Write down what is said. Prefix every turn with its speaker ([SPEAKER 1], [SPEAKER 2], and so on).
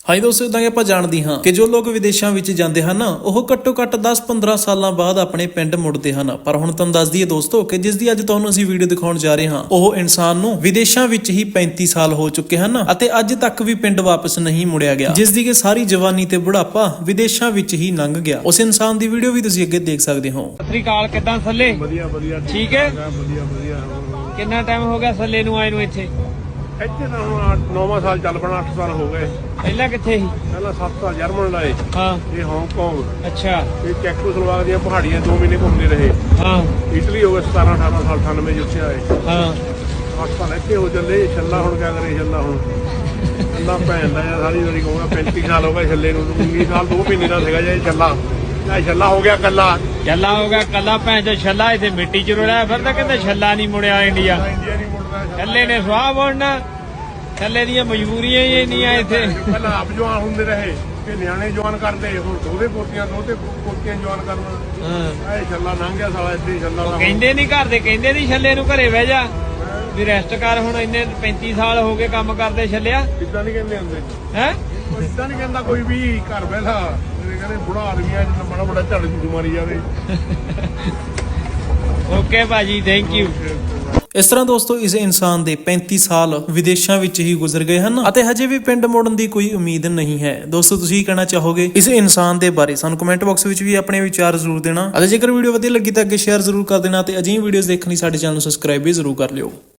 [SPEAKER 1] ਹਾਂਜੀ ਦੋਸਤੋ, ਇਦਾਂ ਕਿ ਆਪਾਂ ਜਾਣਦੇ ਹਾਂ ਕਿ ਜੋ ਲੋਕ ਵਿਦੇਸ਼ਾਂ ਵਿੱਚ ਜਾਂਦੇ ਹਨ ਉਹ ਘੱਟੋ ਘੱਟ 10-15 ਸਾਲਾਂ ਬਾਅਦ ਆਪਣੇ ਪਿੰਡ ਮੁੜਦੇ ਹਨ। ਪਰ ਹੁਣ ਤੁਹਾਨੂੰ ਦੱਸ ਦਈਏ ਦੋਸਤੋ ਕਿ ਜਿਸ ਦੀ ਅੱਜ ਤੁਹਾਨੂੰ ਅਸੀਂ ਵੀਡੀਓ ਦਿਖਾਉਣ ਜਾ ਰਹੇ ਹਾਂ ਉਹ ਇਨਸਾਨ ਨੂੰ ਵਿਦੇਸ਼ਾਂ ਵਿੱਚ ਹੀ 35 ਸਾਲ ਹੋ ਚੁੱਕੇ ਹਨ ਅਤੇ ਅੱਜ ਤੱਕ ਵੀ ਪਿੰਡ ਵਾਪਸ ਨਹੀਂ ਮੁੜਿਆ ਗਿਆ, ਜਿਸ ਦੀ ਕਿ ਸਾਰੀ ਜਵਾਨੀ ਤੇ ਬੁਢਾਪਾ ਵਿਦੇਸ਼ਾਂ ਵਿੱਚ ਹੀ ਲੰਘ ਗਿਆ। ਉਸ ਇਨਸਾਨ ਦੀ ਵੀਡੀਓ ਵੀ ਤੁਸੀਂ ਅੱਗੇ ਦੇਖ ਸਕਦੇ ਹੋ।
[SPEAKER 2] ਸਤਿ ਸ੍ਰੀ ਅਕਾਲ, ਕਿੱਦਾਂ ਸੱਲੇ?
[SPEAKER 3] ਵਧੀਆ ਵਧੀਆ
[SPEAKER 2] ਠੀਕ ਹੈ।
[SPEAKER 3] ਵਧੀਆ
[SPEAKER 2] ਕਿੰਨਾ ਟਾਈਮ ਹੋ ਗਿਆ ਸੱਲੇ ਨੂੰ ਆਏ ਨੂੰ ਇੱਥੇ?
[SPEAKER 3] ਇੱਥੇ ਤਾਂ ਹੁਣ 9ਵਾਂ ਸਾਲ ਚੱਲ ਪਣਾ, 8 ਸਾਲ ਹੋ ਗਏ।
[SPEAKER 2] ਪਹਿਲਾਂ ਕਿੱਥੇ ਸੀ?
[SPEAKER 3] ਪਹਿਲਾਂ 7 ਸਾਲ ਜਰਮਨ ਲਾਏ,
[SPEAKER 2] ਹਾਂ।
[SPEAKER 3] ਇਹ ਹਾਂਗਕਾਂਗ,
[SPEAKER 2] ਅੱਛਾ।
[SPEAKER 3] ਇਹ ਚੈਕੋਸਲੋਵਾਕ ਦੀਆਂ ਪਹਾੜੀਆਂ 2 ਮਹੀਨੇ ਘੁੰਮਦੇ ਰਹੇ।
[SPEAKER 2] ਹਾਂ।
[SPEAKER 3] ਇਟਲੀ ਹੋ ਗਏ 17-18 ਸਾਲ, 98 ਜਿੱਥੇ ਆਏ।
[SPEAKER 2] ਹਾਂ।
[SPEAKER 3] 8 ਸਾਲ ਇੱਥੇ ਹੋ ਚੱਲੇ। ਛੱਲਾ ਹੁਣ ਕਿਆ ਕਰੇ? ਛੱਲਾ ਹੁਣ ਛੱਲਾ ਭੈਣ ਦਾ ਯਾਰ ਸਾਰੀ ਵਾਰੀ ਕਹੂੰਗਾ 35 ਸਾਲ ਹੋ ਗਏ ਛੱਲੇ ਨੂੰ। 19 ਸਾਲ 2 ਮਹੀਨੇ ਦਾ ਸੀਗਾ ਜੇ ਛੱਲਾ। ਇਹ ਛੱਲਾ ਹੋ ਗਿਆ ਕੱਲਾ।
[SPEAKER 2] ਛੱਲਾ ਹੋ ਗਿਆ ਕੱਲਾ, ਭੈਣ ਚੋ ਛੱਲਾ ਇੱਥੇ ਮਿੱਟੀ ਚ ਰੁੜਿਆ ਫਿਰਦਾ। ਕਹਿੰਦੇ ਛੱਲਾ ਨਹੀਂ ਮੁੜਿਆ ਇੰਡੀਆ।
[SPEAKER 3] ਇੰਡੀਆ ਨਹੀਂ ਮੁੜਦਾ
[SPEAKER 2] ਛੱਲੇ ਨੇ ਸੁਆਹ ਬੋੜਨਾ, ਛੱਲੇ ਦੀਆਂ ਮਜਬੂਰੀਆਂ ਹੀ ਇੰਨੀਆਂ ਇੱਥੇ।
[SPEAKER 3] ਪਹਿਲਾਂ ਆਪ ਜਵਾਨ ਹੁੰਦੇ ਰਹੇ ਤੇ ਨਿਆਣੇ ਜਵਾਨ ਕਰਦੇ, ਹੁਣ ਦੋਹਦੇ ਪੋਤੀਆਂ ਜਵਾਨ ਕਰਨਾ।
[SPEAKER 2] ਹਾਂ।
[SPEAKER 3] ਇਹ ਛੱਲਾ ਲੰਘ ਗਿਆ ਸਾਲਾ, ਇੱਥੇ ਛੱਲਾ ਦਾ
[SPEAKER 2] ਕਹਿੰਦੇ ਨਹੀਂ ਘਰ ਦੇ, ਕਹਿੰਦੇ ਨਹੀਂ ਛੱਲੇ ਨੂੰ ਘਰੇ ਬਹਿ ਜਾ ਵੀ ਰੈਸਟ ਕਰ। ਹੁਣ ਇੰਨੇ 35 ਸਾਲ ਹੋ ਗਏ ਕੰਮ ਕਰਦੇ ਛੱਲਿਆ।
[SPEAKER 3] ਇਦਾਂ ਨਹੀਂ ਕਹਿੰਦੇ ਹੁੰਦੇ
[SPEAKER 2] ਹੈ।
[SPEAKER 3] ਇਦਾਂ ਨਹੀਂ ਕਹਿੰਦਾ ਕੋਈ ਵੀ ਘਰ ਬੈਠਾ। ਕਹਿੰਦੇ ਬੁੜਾ ਆਦਮੀ ਆ ਜਿੰਨਾ ਬੜਾ ਬੜਾ ਝੜ ਝੂਠ ਮਾਰੀ ਜਾਵੇ।
[SPEAKER 2] ਓਕੇ ਭਾਜੀ, ਥੈਂਕ ਯੂ।
[SPEAKER 1] ਇਸ ਤਰ੍ਹਾਂ ਦੋਸਤੋ ਇਸ ਇਨਸਾਨ ਦੇ 35 ਸਾਲ ਵਿਦੇਸ਼ਾਂ ਵਿੱਚ ਹੀ ਗੁਜ਼ਰ ਗਏ ਹਨ ਅਤੇ ਹਜੇ ਵੀ ਪਿੰਡ ਮੁੜਨ ਦੀ ਕੋਈ ਉਮੀਦ ਨਹੀਂ ਹੈ। ਦੋਸਤੋ ਤੁਸੀਂ ਕੀ ਕਹਿਣਾ ਚਾਹੋਗੇ ਇਸ ਇਨਸਾਨ ਦੇ ਬਾਰੇ? ਸਾਨੂੰ ਕਮੈਂਟ ਬਾਕਸ ਵਿੱਚ ਵੀ ਆਪਣੇ ਵਿਚਾਰ ਜ਼ਰੂਰ ਦੇਣਾ ਅਤੇ ਜੇਕਰ ਵੀਡੀਓ ਵਧੀਆ ਲੱਗੀ ਤਾਂ ਅੱਗੇ ਸ਼ੇਅਰ ਜ਼ਰੂਰ ਕਰ ਦੇਣਾ ਤੇ ਅਜਿਹੀਆਂ ਵੀਡੀਓਜ਼ ਦੇਖਣ ਲਈ ਸਾਡੇ ਚੈਨਲ ਨੂੰ ਸਬਸਕ੍ਰਾਈਬ ਵੀ ਜ਼ਰੂਰ ਕਰ ਲਿਓ।